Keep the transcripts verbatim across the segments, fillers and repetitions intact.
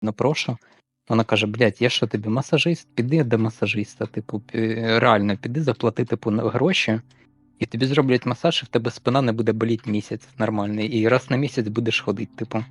Ну, прошу. Вона каже: "Блядь, я що тобі масажист? Піди до масажиста, типу, пі реально піди заплати, типу, н гроші, і тобі зроблять масаж, і в тебе спина не буде боліти місяць нормальний, і раз на місяць будеш ходити, типу".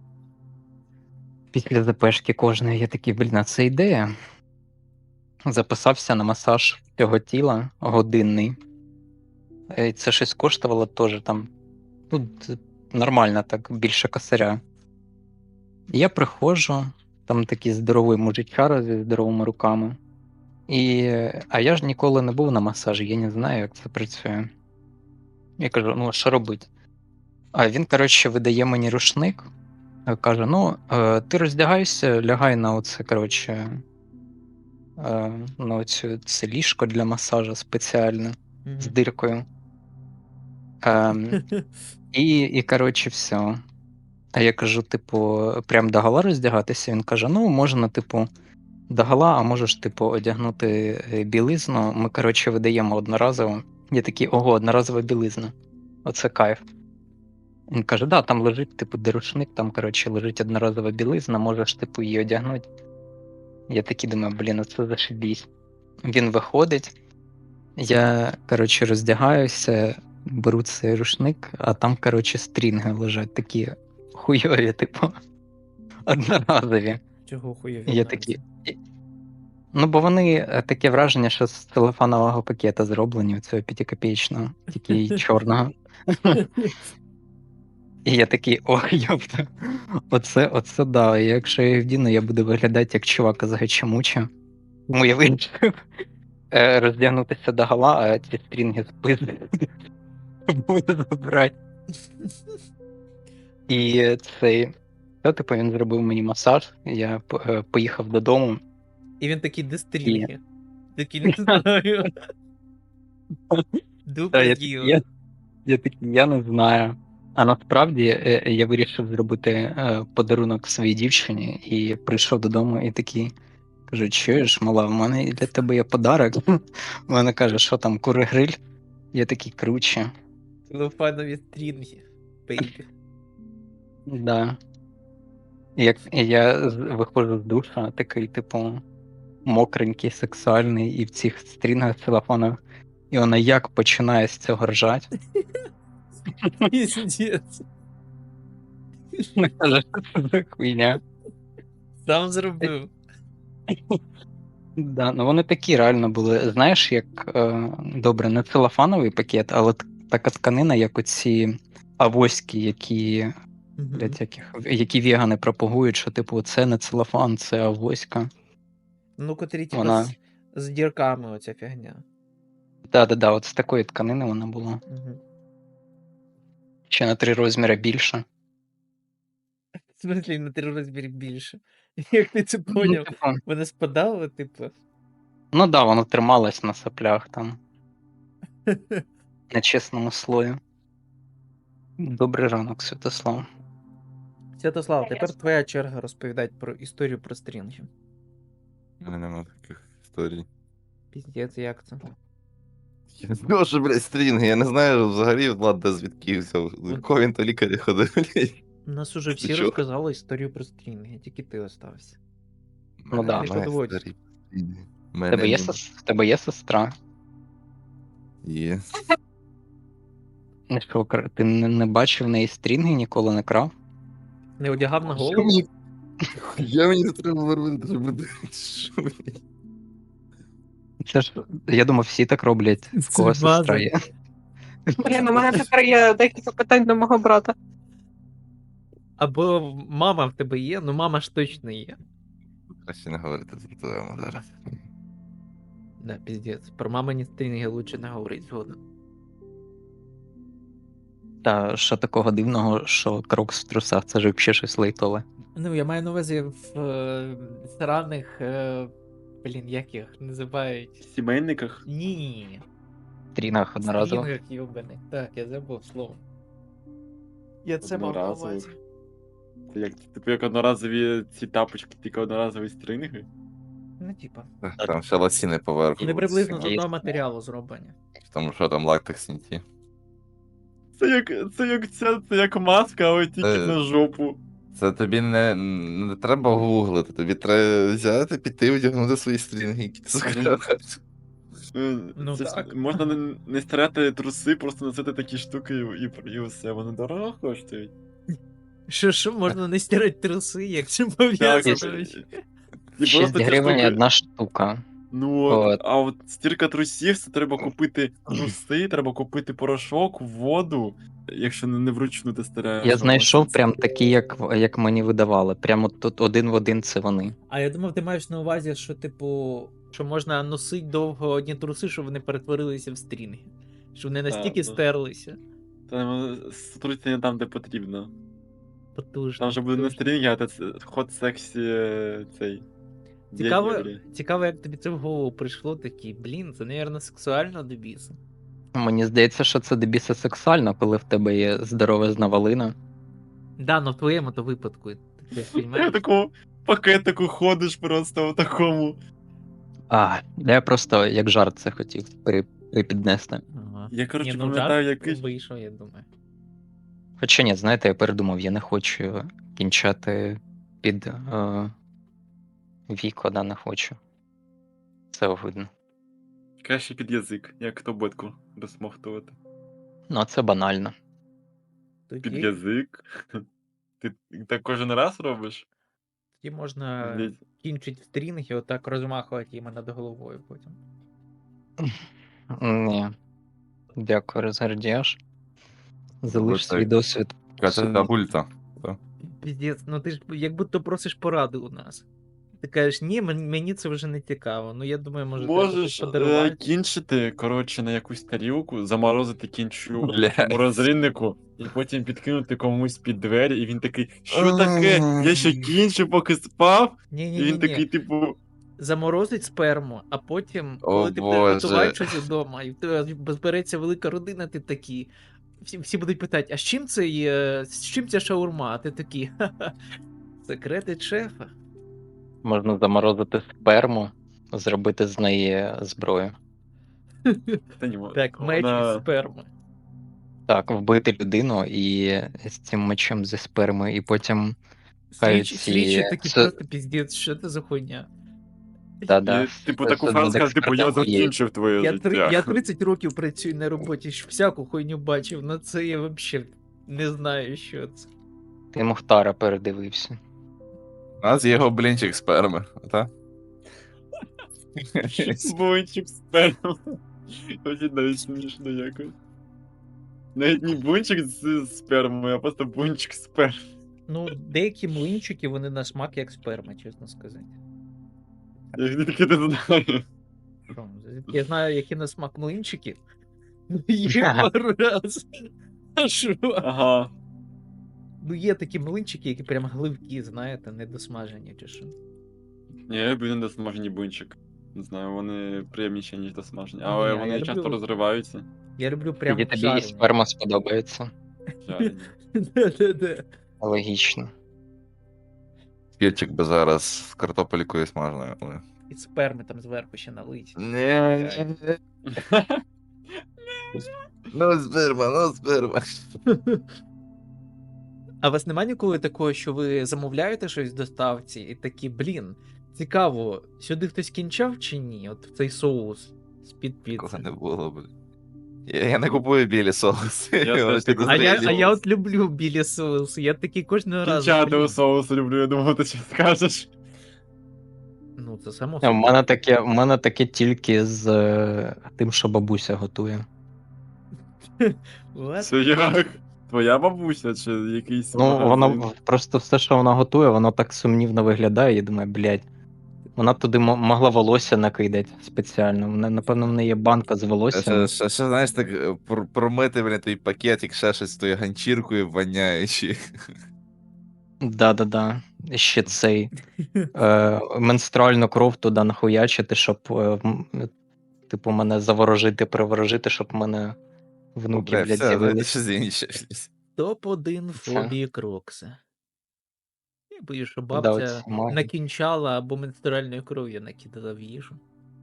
Після зепешки кожної я такий: "Блін, а це ідея". Записався на масаж всього тіла годинний. Е, це щось коштувало теж там, ну, т нормально так, більше косаря. І я приходжу, там такий здоровий мужичара зі здоровими руками. І, а я ж ніколи не був на масажі, я не знаю, як це працює. Я кажу: "Ну, а що робити?" А він, коротше, видає мені рушник, е, каже: "Ну, е, ти роздягайся, лягай на оце, коротше, е, на оцю це ліжко для масажу спеціальне з Мгм. диркою". Ем, і, і коротше, все. А я кажу, типу, прям догола роздягатися? Він каже: "Ну, можна, типу, догола, а можеш, типу, одягнути е, білизну". Ми, коротше, видаємо одноразово. Я такий: "Ого, одноразова білизна. Оце кайф". Він каже: "Да, там лежить, типу, де рушник, там, коротше, лежить одноразова білизна, можеш, типу, її одягнути". Я такий думаю: "Блін, оце зашибісь". Він виходить, я, коротше, роздягаюся, беру цей рушник, а там, коротше, стрінги лежать такі хуйові, типу, одноразові. Чого хуєві І я такий. мається? і- Ну, бо вони е, таке враження, що з телефонового пакета зроблені, цього п'ятикопеечного, тільки й чорного. І я такий: "Ох, йопта, оце, оце да. І якщо я їх вдіну, я буду виглядати як чувак із Гачамучі". Тому я вирішив е, роздягнутися догола, а ці стрінги спиздити буду забрати. І цей, та, типу, він зробив мені масаж, я п- е, поїхав додому. І він такий, де І стрінги? Такий, не знаю. та, Дупа я, такий, діла. я, я такий, я не знаю. А насправді е, е, я вирішив зробити е, подарунок своїй дівчині і прийшов додому і такий. Кажу: "Чуєш, мала, в мене для тебе є подарок". Вона каже: "Що там, кури гриль?" Я такий: "Круче". Целофанові стрінги, бейбі. Да. І як і я з виходжу з душа, такий, типу, мокренький, сексуальний, і в цих стрінгах целофанових, і вона як починає з цього ржать. Піздець. Вона каже: "Що це за хуйня?" Сам зробив. Да, ну вони такі реально були. Знаєш, як е, добре, не целофановий пакет, але т- така тканина, як оці авоськи, які, Угу. блядь, яких, які вегани пропагують, що типу це не целофан, це авоська. Ну, котрі, типа, Вона. з, з дірками оця фігня. Да-да-да, от з такої тканини вона була. Угу. Ще на три розміри більше. В смислі, на три розміри більше. Як ти це Ну, поняв? типу, Вони спадали, типу. ну да, воно трималось на соплях там, на чесному слої. Добрий ранок, Святослав. Святослав, тепер твоя черга розповідати про історію про стрінги. У мене нема таких історій. Піздець, як це? Я не знаю, що, блядь, стрінги. Я не знаю взагалі, Влад, де звідки взяв. До якого він то лікаря ходив, блядь. У нас уже До всі чого? розказали історію про стрінги, тільки ти остався. У Ну мене да. Не немає подводь. історій. стрінги. У В мене тебе є, нема. сес- в тебе є сестра? Є. Ну що, кр- ти не, не бачив в неї стрінги, ніколи не крав? Не одягав на Що голову? мені... Я мені не треба робити, щоб люди... Що, блядь? Це ж, я думав, всі так роблять, в Це кого сестра база. є. Блін, у мене тепер є декілька питань до мого брата. Або мама в тебе є, ну мама ж точно є. Краще не говорити за твоєму зараз. Да, піздець. Про мамині стрінги лучше не говорить згодом. Та що такого дивного, що крокс в трусах, це ж взагалі щось лейтове. Ну, я маю на увазі в е, сраних, е, блін, як їх називають? Сімейниках? Ні. В стрінгах одноразово. Стрінгах йобаних. Так, я забув слово. Я це мав на увазі. Одноразових. Це як, типу, як одноразові ці тапочки, тільки одноразові стрінги? Ну, типа. Там ще лосіни поверху. Вони приблизно з Є. одного матеріалу зроблені. Тому що там лактекс не ті. Це як, це як ця, це як маска, але тільки Е. на жопу. Це тобі не, не треба гуглити, тобі треба взяти, піти, одягнути свої стрінги, які ти захочеш. Е, Ну це ж так. можна не, не старати труси, просто носити такі штуки і, і, і все, вони дорого коштують. Що, що можна не стирати труси, як це Так, пов'язано? і- вообще? і шість просто ці гривень штуки- одна штука. Ну, от, От. а от стірка трусів, це треба купити труси, треба купити порошок, воду, якщо не, не вручну ти стираєш. Я а знайшов це- прям такі, як, як мені видавали. Прямо тут один в один це вони. А я думав, ти маєш на увазі, що, типу, що можна носити довго одні труси, щоб вони перетворилися в стрінги. Щоб вони настільки Так, так. стерлися. Там струться не там, де потрібно. Потужно. Там вже буде не потужно. стрінги, а це ход сексі е, цей. Цікаво, дядя. цікаво, як тобі це в голову прийшло, такий, блін, це, напевно, сексуально до біса. Мені здається, що це дебіса сексуально, коли в тебе є здоровезна валина. Да, но в твоєму то випадку. Ти Я розумієш? в такому пакетику ходиш просто в такому. А, я просто як жарт це хотів при, припіднести. Ага. Я, коротше, Ні, ну, пам'ятаю, жарт якийсь. вийшов, я думаю. Хоча ні, знаєте, я передумав, я не хочу кінчати під е, віко, да, не хочу. Це огидно. Краще під язик, як таблетку розмахтувати. Ну, а це банально. Під Тоді, язик. Ти так кожен раз робиш? тоді можна Здається. кінчить в стрінг і отак розмахувати їм над головою потім. Ні. Дякую, розгардіяш. Залиш так. свій досвід. Катя бульта. Піздець, ну ти ж як будто просиш поради у нас. Ти кажеш, ні, мен- мені це вже не цікаво. Ну я думаю, може треба Можеш щось е, подарувати. кінчити, коротше, на якусь тарілку, заморозити кінчу Блядь. в морозильнику, і потім підкинути комусь під двері, і він такий, що таке? Я ще кінчу, поки спав. Ні, І ні, ні, він такий, ні. типу, Заморозить сперму, а потім, О, коли ти будеш Боже. готувати щось вдома, і в тебе збереться велика родина, ти такий. Всі, всі будуть питати, а з чим це є, з чим ця шаурма? А ти такий, ха-ха, секрети шефа. Можна заморозити сперму, зробити з неї зброю. та ні, Так, меч вона- із сперми. Так, вбити людину і з цим мечем зі сперми, і потім. Хай Слідчі, ці- слідчі такі це- просто піздець, що це за хуйня? Да-да. І, типу, Це таку все фразу над скаже, типу, я експертом є. закінчив твоє Я, життя. три, я тридцять років працюю на роботі, ж всяку хуйню бачив, на це я взагалі не знаю, що це. Ти Мухтара передивився. У нас є його блінчик сперми, так? Бунчик сперма. Очень навіть смішно якось. Навіть не бунчик з спермою, а просто бунчик сперми. Ну, деякі млинчики, вони на смак як сперма, чесно сказати. Я тільки не знаю. Що, я знаю, які на смак млинчики. Ну, є пару раз. А що? Ага. Ну, є такі млинчики, які прям гливкі, знаєте, недосмажені чи що. Ні, я люблю недосмажені бунчик. Не знаю, вони приємніші, ніж досмажені. Ні, Але я вони люблю- часто розриваються. Я люблю прям Тоді тобі і жарені. сперма сподобається. Жарені. Да-да-да. Логічно. Кільчик би зараз з картопелькою смажною. але- І сперми там зверху ще налить. Ні. Ну, сперма, ну, сперма. А у вас нема ніколи такого, що ви замовляєте щось в доставці і такі, блін, цікаво, сюди хтось кінчав чи ні? От в цей соус з-під Такого піци. не було, блін. Я, я не купую білі соуси. Я Вони теж так А я, а підозрілі. я от люблю білі соуси, я такий кожного разу. Кінчати блін. у соусу люблю, я думав, ти щось скажеш. Ну, це само У собою. мене таке, у мене таке тільки з е, тим, що бабуся готує. What? Це як? Твоя бабуся чи якийсь Ну, магазин? воно просто все, що вона готує, воно так сумнівно виглядає, і думаю, блядь. Вона туди мо- могла волосся накидати спеціально. Вона, напевно, в неї є банка з волоссям. Ще, ще, ще, знаєш, так е, пр- промити, блін, той пакетик, ще щось з тою ганчіркою воняючи. Да-да-да. Ще цей е, менструальну кров туди нахуячити, щоб е, м- типу мене заворожити, приворожити, щоб в мене внуки, Бля, блядь, все, знаєте, з'явились. щось інше. Топ один Це. фобії Крокса. Я боюсь, що Да, бабця оці маги. накінчала або менструальною кров'ю накидала в їжу.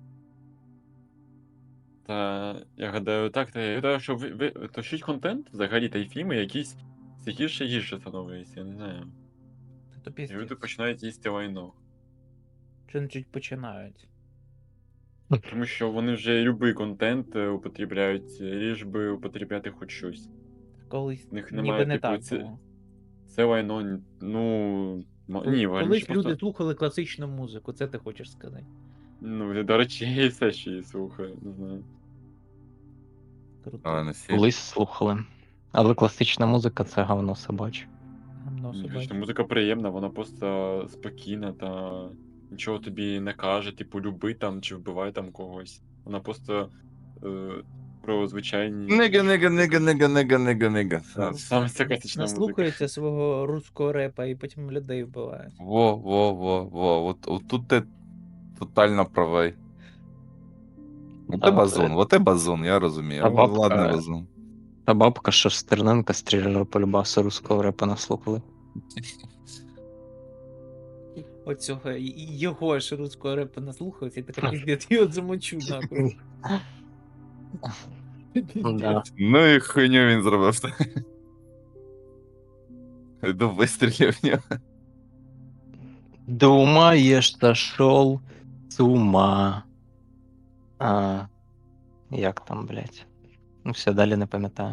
Та я гадаю, так, та я гадаю, що ви, ви тощить контент взагалі та й фільми якісь цікавіше гірше становиться, я не знаю. То І піздець. люди починають їсти лайно. Чи чуть починають. Тому що вони вже любий контент е, употребляють, ліж би употребляти хоч щось. Колись В них ніби немає, не типу, так це- було. Це лайно, ну. м- Коли- Ні, Колись раніше люди просто. слухали класичну музику, це ти хочеш сказати. Ну, до речі, я і все ще її слухаю, не знаю. Круто. Але не всі. Колись слухали. Але класична музика це говно собаче. Гамно Ні, собаче. що музика приємна, вона просто спокійна та нічого тобі не каже, типу, люби там чи вбивай там когось. Вона просто е, про звичайні. Нига, нига, нига, нига, нига, нига, нига. Та, Саме ця класична музика. Наслухаються свого руського репа і потім людей вбивають. Во, во, во, во. От, от тут ти тотально правий. Вот А, ти базон, е, вот ти базон, я розумію. а бабка- Ладно, базон. Та бабка, що з Стерненка стріляла по любасу руського репа наслухали. Оцього і- і його ж руського репа наслухався, і така піздець, і от замочу нахуй. Да. Ну і хуйню він зробив. Йду вистрілів в нього. Думаєш, зашел з ума. А, як там, блядь? Ну все, далі не пам'ятаю.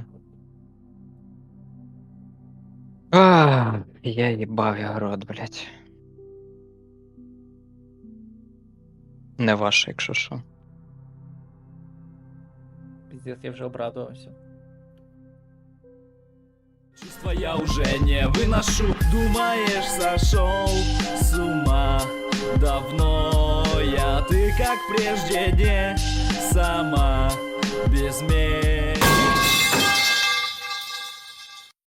А, я їбав я рот, блядь. Не ваше, якщо що. Піздець, я вже обрадувався. Чувства я уже не выношу. Думаешь, сошел с ума давно я. Ты как прежде не сама без меня.